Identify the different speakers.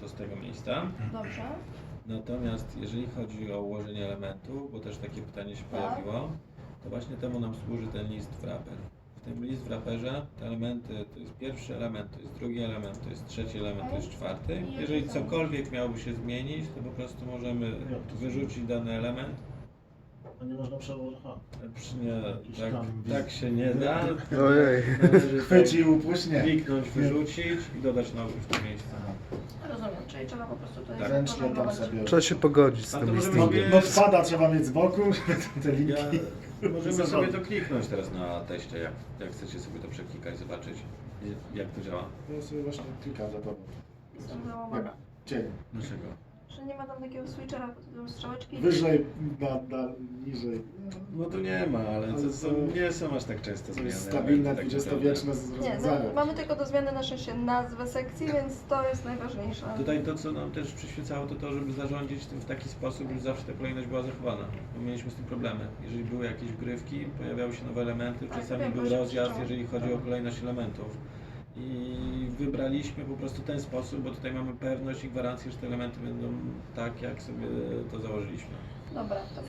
Speaker 1: to z tego miejsca.
Speaker 2: Dobrze.
Speaker 1: Natomiast jeżeli chodzi o ułożenie elementów, bo też takie pytanie się
Speaker 2: Tak.
Speaker 1: pojawiło, to właśnie temu nam służy ten list wrapper. W tym list wrapperze te elementy to jest pierwszy element, to jest drugi element, to jest trzeci element, to jest czwarty. Jeżeli cokolwiek miałoby się zmienić, to po prostu możemy wyrzucić dany element.
Speaker 3: A nie można przełożyć.
Speaker 1: Nie, tak się nie da.
Speaker 4: Ojej.
Speaker 1: Należy
Speaker 3: Chwycił, upuść, nie.
Speaker 1: kliknąć, wyrzucić i dodać nowy w to miejsce.
Speaker 2: Rozumiem, czyli trzeba po prostu tutaj
Speaker 1: Tak.
Speaker 3: Ręcznie tam
Speaker 2: zaprogramować.
Speaker 3: sobie.
Speaker 4: Trzeba się pogodzić z
Speaker 1: A
Speaker 4: tym
Speaker 1: to możemy
Speaker 4: listingiem.
Speaker 1: sobie-
Speaker 3: No spada trzeba mieć z boku, żeby te linki.
Speaker 1: Możemy sobie to kliknąć teraz na teście, jak chcecie sobie to przeklikać, zobaczyć jak to działa.
Speaker 3: Ja sobie właśnie klikam za tobą.
Speaker 2: Jestem
Speaker 3: Nie
Speaker 2: załamana.
Speaker 3: ma. Cień.
Speaker 1: Dlaczego?
Speaker 2: Że nie ma tam takiego switchera, pod strzałeczki.
Speaker 3: Wyżej, niżej.
Speaker 1: No to nie ma, ale nie są aż tak często
Speaker 3: To
Speaker 1: zmiany.
Speaker 3: jest stabilne,
Speaker 1: tak
Speaker 3: dwudziestowieczne
Speaker 2: Nie,
Speaker 3: rozwiązanie.
Speaker 2: no, mamy tylko do zmiany na szczęście nazwę sekcji, więc to jest najważniejsze.
Speaker 1: Tutaj to, co nam też przyświecało, to to, żeby zarządzić tym w taki sposób, żeby zawsze ta kolejność była zachowana. Bo mieliśmy z tym problemy. Jeżeli były jakieś wgrywki, pojawiały się nowe elementy,
Speaker 2: Tak,
Speaker 1: czasami
Speaker 2: wiem,
Speaker 1: był
Speaker 2: bo się
Speaker 1: rozjazd,
Speaker 2: krzyczało.
Speaker 1: jeżeli chodzi o kolejność elementów. I wybraliśmy po prostu ten sposób, bo tutaj mamy pewność i gwarancję, że te elementy będą tak, jak sobie to założyliśmy.
Speaker 2: Dobra, to